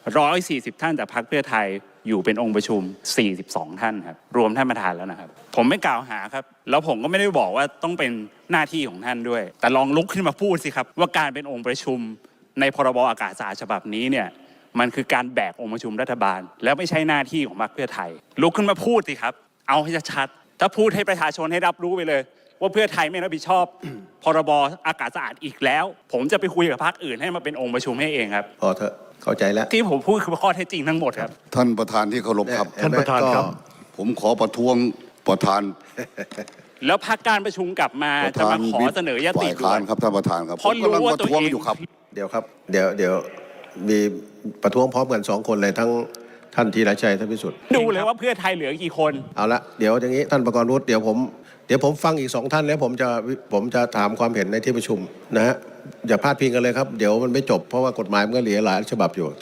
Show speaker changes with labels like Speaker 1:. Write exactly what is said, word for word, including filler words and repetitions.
Speaker 1: หนึ่งร้อยสี่สิบท่านจากพรรคเพื่อไทยอยู่เป็นองค์ประชุมสี่สิบสองท่านครับรวมท่านประธานแล้วนะครับผมไม่กล่าวหาครับแล้วผมก็ไม่ได้บอกว่าต้องเป็นหน้าที่ของท่านด้วยแต่ลองลุกขึ้นมาพูดสิครับว่าการเป็นองค์ประชุมในพรบอากาศสะอาดฉบับนี้เนี่ยมันคือการแบกองค์ประชุมรัฐบาลแล้วไม่ใช่หน้าที่ของพรรคเพื่อไทยลุกขึ้นมาพูดสิครับเอาให้ชัดๆถ้าพูดให้ประชาชนให้รับรู้ไปเลยว่าเพื่อไทยไม่รับผิดชอบ พรบอากาศสะอาดอีกแล้วผมจะไปคุยกับพรรคอื่นให้มาเป็นองค์ประชุมให้เองครับ
Speaker 2: พอเถอะเข้าใจแล้ว
Speaker 1: ที่ผมพูดคือข้อเท็จจริงทั้งหมดครับ
Speaker 3: ท่านประธานที่เคารพครับ
Speaker 2: ท่านประธานครับ
Speaker 3: ผมขอประท้วงประธาน
Speaker 1: แล้วพักการประชุมกลับมาจะมาขอเสนอยติ
Speaker 3: ฝ่ายค้านครับท่านประธานครับ
Speaker 1: เพราะรู้ว่าตัวเอง
Speaker 3: อยู่ครับ
Speaker 2: เดี๋ยวครับเดี๋ยวเดี๋ยวมีประท้วงพร้อมกันสองคนเลยทั้งท่านธีรชัยท่านพิสุทธิ์
Speaker 1: ดูเลยว่าเพื่อไทยเหลือกี่คน
Speaker 2: เอาละเดี๋ยวอย่างนี้ท่านประกรณ์วุฒิเดี๋ยวผมเดี๋ยวผมฟังอีกสองท่านแล้วผมจะผมจะถามความเห็นในที่ประชุมนะฮะอย่าพลาดพิงกันเลยครับเดี๋ยวมันไม่จบเพราะว่ากฎหมายมันก็เหลือหลายฉบับอยู่